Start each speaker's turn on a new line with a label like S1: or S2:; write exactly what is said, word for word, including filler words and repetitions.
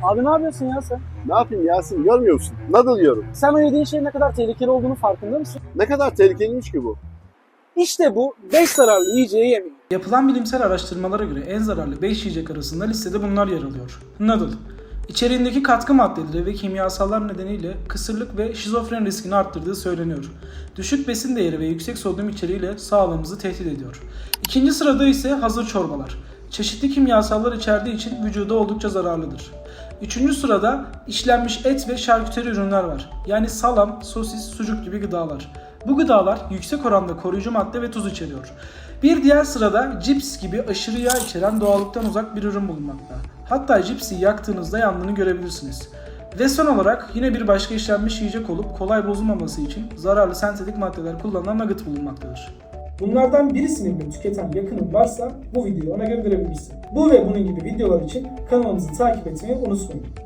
S1: Abi ne yapıyorsun ya sen?
S2: Ne yapayım Yasin, görmüyor musun? Nadal yiyorum.
S1: Sen o yediğin şeyin ne kadar tehlikeli olduğunu farkında mısın?
S2: Ne kadar tehlikeliymiş ki bu?
S1: İşte bu beş zararlı yiyeceği yemeyin.
S3: Yapılan bilimsel araştırmalara göre en zararlı beş yiyecek arasında listede bunlar yer alıyor. Noodle. İçeriğindeki katkı maddeleri ve kimyasallar nedeniyle kısırlık ve şizofren riskini arttırdığı söyleniyor. Düşük besin değeri ve yüksek sodyum içeriğiyle sağlığımızı tehdit ediyor. İkinci sırada ise hazır çorbalar. Çeşitli kimyasallar içerdiği için vücuda oldukça zararlıdır. Üçüncü sırada işlenmiş et ve şarküteri ürünler var. Yani salam, sosis, sucuk gibi gıdalar. Bu gıdalar yüksek oranda koruyucu madde ve tuz içeriyor. Bir diğer sırada cips gibi aşırı yağ içeren doğallıktan uzak bir ürün bulunmakta. Hatta cipsi yaktığınızda yandığını görebilirsiniz. Ve son olarak yine bir başka işlenmiş yiyecek olup kolay bozulmaması için zararlı sentetik maddeler kullanılan nugget bulunmaktadır. Bunlardan birisini bile tüketen yakının varsa bu videoyu ona gönderebilirsin. Bu ve bunun gibi videolar için kanalımızı takip etmeyi unutmayın.